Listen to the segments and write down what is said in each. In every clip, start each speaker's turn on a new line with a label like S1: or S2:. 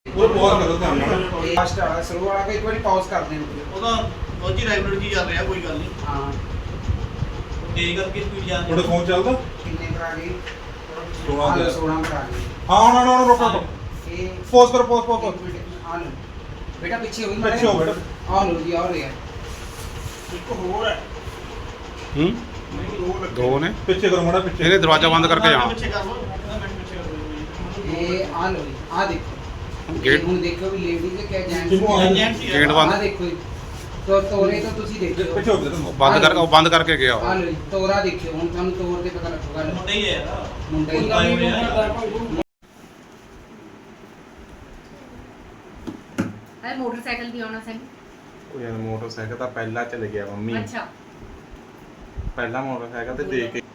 S1: ਉਹ ਪੌਜ਼ ਕਰੋ ਧਿਆਨ ਨਾਲ।
S2: ਫਾਸਟ ਵਾਲਾ ਸਲੋ ਵਾਲਾ ਇੱਕ ਵਾਰੀ ਪੌਜ਼ ਕਰ ਦੇਣ।
S3: ਉਹਦਾ ਉਹਦੀ ਰੈਗੂਲਰ ਜੀ ਚੱਲ ਰਿਹਾ, ਕੋਈ ਗੱਲ ਨਹੀਂ।
S2: ਹਾਂ
S3: ਤੇਜ਼ ਕਰਕੇ ਸਪੀਡ ਜਾ
S1: ਤੁਹਾਡੇ ਫੋਨ ਚੱਲਦਾ?
S2: ਕਿੰਨੇ ਕਰਾ ਗਏ?
S1: 16 ਦੇ।
S2: 16 ਕਰਾ ਗਏ।
S1: ਹਾਂ ਨਾ ਰੋਕੋ
S2: ਇਹ
S1: ਪੌਜ਼ ਕਰੋ ਪੌਜ਼
S2: ਇੱਕ ਮਿੰਟ ਆ ਲਓ ਬੇਟਾ, ਪਿੱਛੇ ਹੋਈ
S1: ਪਿੱਛੇ ਹੋ ਬੇਟਾ।
S2: ਆ ਲਓ ਜੀ, ਆ ਰਿਹਾ
S3: ਇੱਕ ਹੋਰ ਹੈ।
S4: ਦੋ ਨੇ।
S1: ਪਿੱਛੇ ਕਰੋ ਮਾੜਾ ਪਿੱਛੇ।
S4: ਇਹਨੇ ਦਰਵਾਜ਼ਾ ਬੰਦ ਕਰਕੇ ਜਾ।
S3: ਪਿੱਛੇ ਕਰ ਲਓ, ਮਿੰਟ ਪਿੱਛੇ ਕਰ ਲਓ।
S2: ਇਹ ਆ ਲਓ ਜੀ, ਆ ਦੇਖੋ
S4: ਗੇਟ
S2: ਹੁਣ ਦੇਖੋ ਵੀ ਲੇਡੀਜ਼ ਹੈ ਕਿ
S1: ਕਿਹਨੂੰ ਆ?
S2: ਜੈਂਟਸ
S4: ਗੇਟ ਬੰਦ।
S2: ਆ ਦੇਖੋ ਜੀ, ਤੋਰੇ ਤਾਂ ਤੁਸੀਂ ਦੇਖੋ
S1: ਪਿੱਛੇ ਹੋ ਬੇਟਾ
S4: ਉਹ ਬੰਦ ਕਰਕੇ ਗਿਆ
S2: ਆ ਲਓ ਜੀ, ਤੋਰਾ ਦੇਖਿਓ ਹੁਣ ਤੁਹਾਨੂੰ ਤੋਰ ਦੇ ਪਤਾ ਲੱਗੂਗਾ।
S3: ਮੁੰਡਾ ਹੀ ਹੈ ਯਾਰ।
S2: ਮੁੰਡਾ ਹੀ
S3: ਆਏ ਹੋਏ ਆ।
S5: अरे मोटरसाइकिल भी होना सही।
S6: ਉਹ ਯਾਰ ਮੋਟਰਸਾਈਕਲ ਤਾਂ ਪਹਿਲਾਂ ਚਲੇ ਗਿਆ ਮੰਮੀ।
S5: अच्छा
S6: ਪਹਿਲਾਂ ਮੋਟਰਸਾਈਕਲ ਤੇ ਦੇਖ ਕੇ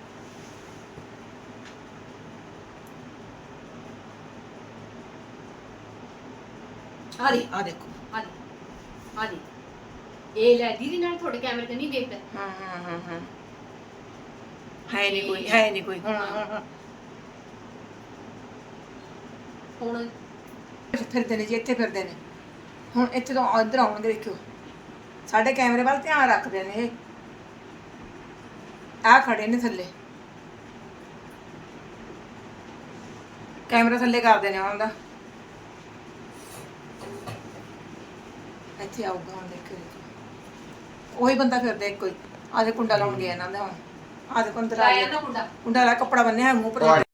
S7: ਆ ਦੇਖੋ
S5: आ दे ए ले दीदी नाल थोड़े कैमरे ते नहीं देखदा।
S7: ਹਾਂ ਹੈ ਨਹੀਂ ਕੋਈ ਹੁਣ
S5: हुन
S7: ਫਿਰਦੇ ਨੇ ਜੀ, ਇੱਥੇ ਫਿਰਦੇ ਨੇ। ਹੁਣ ਇੱਥੇ ਤੋਂ ਇੱਧਰ ਆਉਣਗੇ, ਦੇਖਿਓ ਸਾਡੇ ਕੈਮਰੇ ਵੱਲ ਧਿਆਨ ਰੱਖਦੇ ਨੇ ਇਹ। ਆ ਖੜੇ ਨੇ ਥੱਲੇ, ਕੈਮਰਾ ਥੱਲੇ ਕਰਦੇ ਨੇ ਉਹਨਾਂ ਦਾ। ਇੱਥੇ ਆਊਗਾ ਹੁਣ, ਦੇਖਿਓ ਉਹੀ ਬੰਦਾ ਫਿਰਦਾ ਇੱਕੋ ਹੀ। ਆਦੇ ਕੁੰਡਾ ਲਾਉਣ ਗਿਆ ਇਹਨਾਂ ਦਾ ਹੁਣ। ਆਦੇ ਕੁੰਡਾ
S5: लाया ना मुंडा।
S7: ਕੁੰਡਾ ਲਾ, ਕੱਪੜਾ ਬੰਨਿਆ ਮੂੰਹ ਪਰ।